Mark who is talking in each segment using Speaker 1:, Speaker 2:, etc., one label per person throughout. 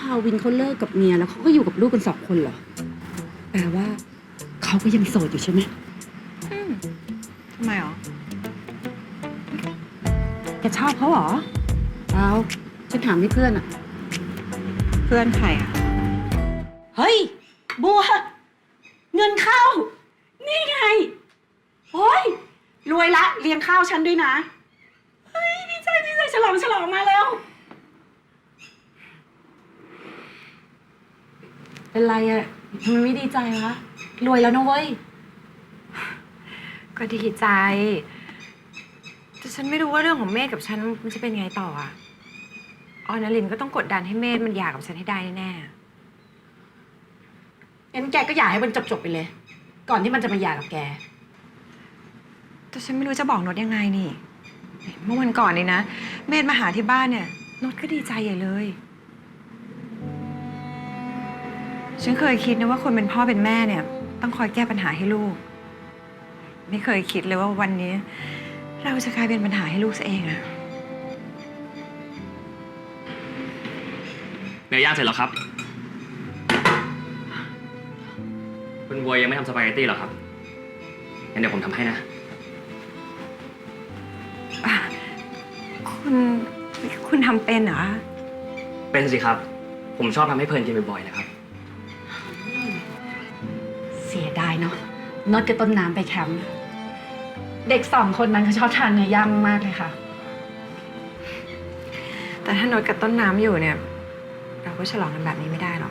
Speaker 1: ภาวินเขาเลิกกับเมียแล้วเขาก็อยู่กับลูกกัน2 คนเหรอแปลว่าเขาก็ยังโสดอยู่ใช่ไหม
Speaker 2: ทำไมหรอ
Speaker 1: แกชอบเขาเหรอเอาฉันถามให้เพื่อนอะ
Speaker 2: เพื่อนใครอ่ะ
Speaker 1: เฮ้ยบัวเงินเข้า นี่ไงโอ้ยรวยละเลี้ยงข้าวฉันด้วยนะเฮ้ยดีใจฉลองมาแล้วเป็นไรอะทำไมไม่ดีใจวะรวยแล้วนะเว้ย
Speaker 2: ก็ดีใจ แต่ฉันไม่รู้ว่าเรื่องของเมธกับฉันมันจะเป็นไงต่ออ่ะออนลินก็ต้องกดดันให้เมธมันหย่ากับฉันให้ได้แน่
Speaker 1: งั้นแกก็อยากให้มันจบไปเลย ก่อนที่มันจะมาหย่ากับแก
Speaker 2: ๆแต่ฉันไม่รู้จะบอกโนดยังไงนี่ เมื่อวันก่อนนี่นะ เมธมาหาที่บ้านเนี่ยโนดก็ดีใจใหญ่เลย ฉันเคยคิดนะว่าคนเป็นพ่อเป็นแม่เนี่ย ต้องคอยแก้ปัญหาให้ลูก ไม่เคยคิดเลยว่าวันนี้ เราจะกลายเป็นปัญหาให้ลูกซะเองอะ
Speaker 3: เนื้อย่างเสร็จแล้วครับ คุณบัวยังไม่ทำสปาเกตตี้หรอครับ งั้นเดี๋ยวผมทำให้นะ
Speaker 2: คุณทำเป็นเหรอ
Speaker 3: เป็นสิครับ ผมชอบทำให้เพลินกินบ่อยๆนะครับ
Speaker 1: เสียดายเนาะน็อตกับต้นน้ำไปแคมป์เด็ก2 คนนั้นเขาชอบทานเนื้อย่างมากเลยค่ะ
Speaker 2: แต่ถ้าโนดกับต้นน้ำอยู่เนี่ย เราก็ฉลองกันแบบนี้ไม่ได้หรอก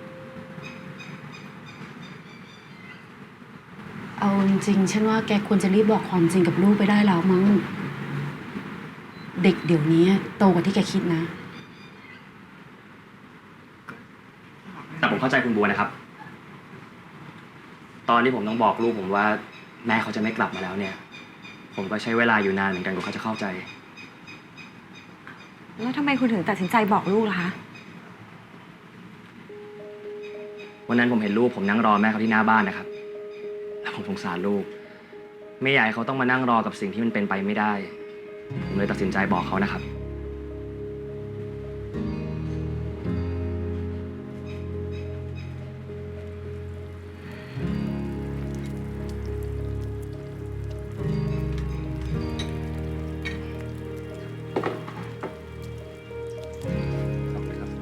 Speaker 1: เอาจริงๆฉันว่าแกควรจะรีบบอกความจริงกับลูกไปได้แล้วมั้งเด็กเดี๋ยวนี้โตกว่าที่แกคิดนะ
Speaker 3: แต่ผมเข้าใจคุณบัวนะครับ ตอนที่ผมต้องบอกลูกผมว่าแม่เขาจะไม่กลับมาแล้วเนี่ย ผมก็ใช้เวลาอยู่นานเหมือนกันกว่าเขาจะเข้าใจ
Speaker 2: แล้วทำไมคุณถึงตัดสินใจบอกลูกล่ะคะ
Speaker 3: วันนั้นผมเห็นลูกผมนั่งรอแม่เขาที่หน้าบ้านนะครับ แล้วผมสงสารลูก ไม่อยากให้เขาต้องมานั่งรอกับสิ่งที่มันเป็นไปไม่ได้ ผมเลยตัดสินใจบอกเขานะครับ ขอบคุณครับ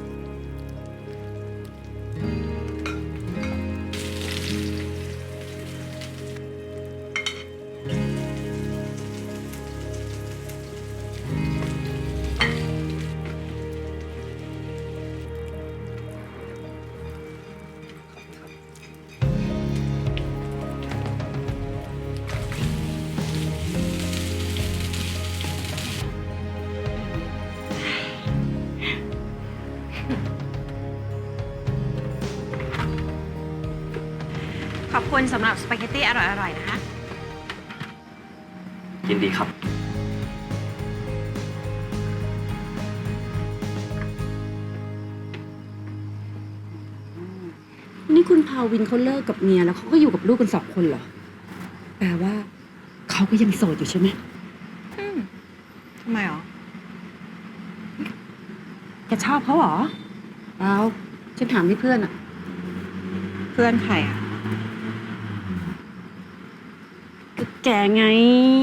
Speaker 2: ขอบคุณสำหรับสปาเกตตี้อร่อยๆนะคะ
Speaker 3: ยินดีครับ
Speaker 1: นี่คุณภาวินเขาเลิกกับเมียแล้วเขาก็อยู่กับลูกกัน2 คนเหรอแปลว่าเขาก็ยังโสดอยู่ใช่ไหม
Speaker 2: ทำไมหรอ
Speaker 1: แกชอบเขาเหรอเอาฉันถามให้เพื่อนอะ
Speaker 2: เพื่อนใครอ่ะ
Speaker 1: ก็แกไง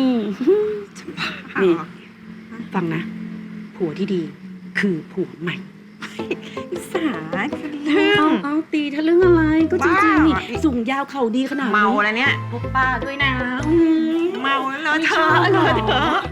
Speaker 1: นี่ ฟังนะ ผัวที่ดีคือผัวใหม่
Speaker 2: สาเรื่อง
Speaker 1: เอาตีทะลึ่งอะไรก็จริงๆนี่
Speaker 2: บ้า
Speaker 1: สูงยาวเข่าดีขนาดนี้
Speaker 2: เมาแล้วเนี่ย
Speaker 1: พบป้าด้วยนะ
Speaker 2: เมาแล้วเธอ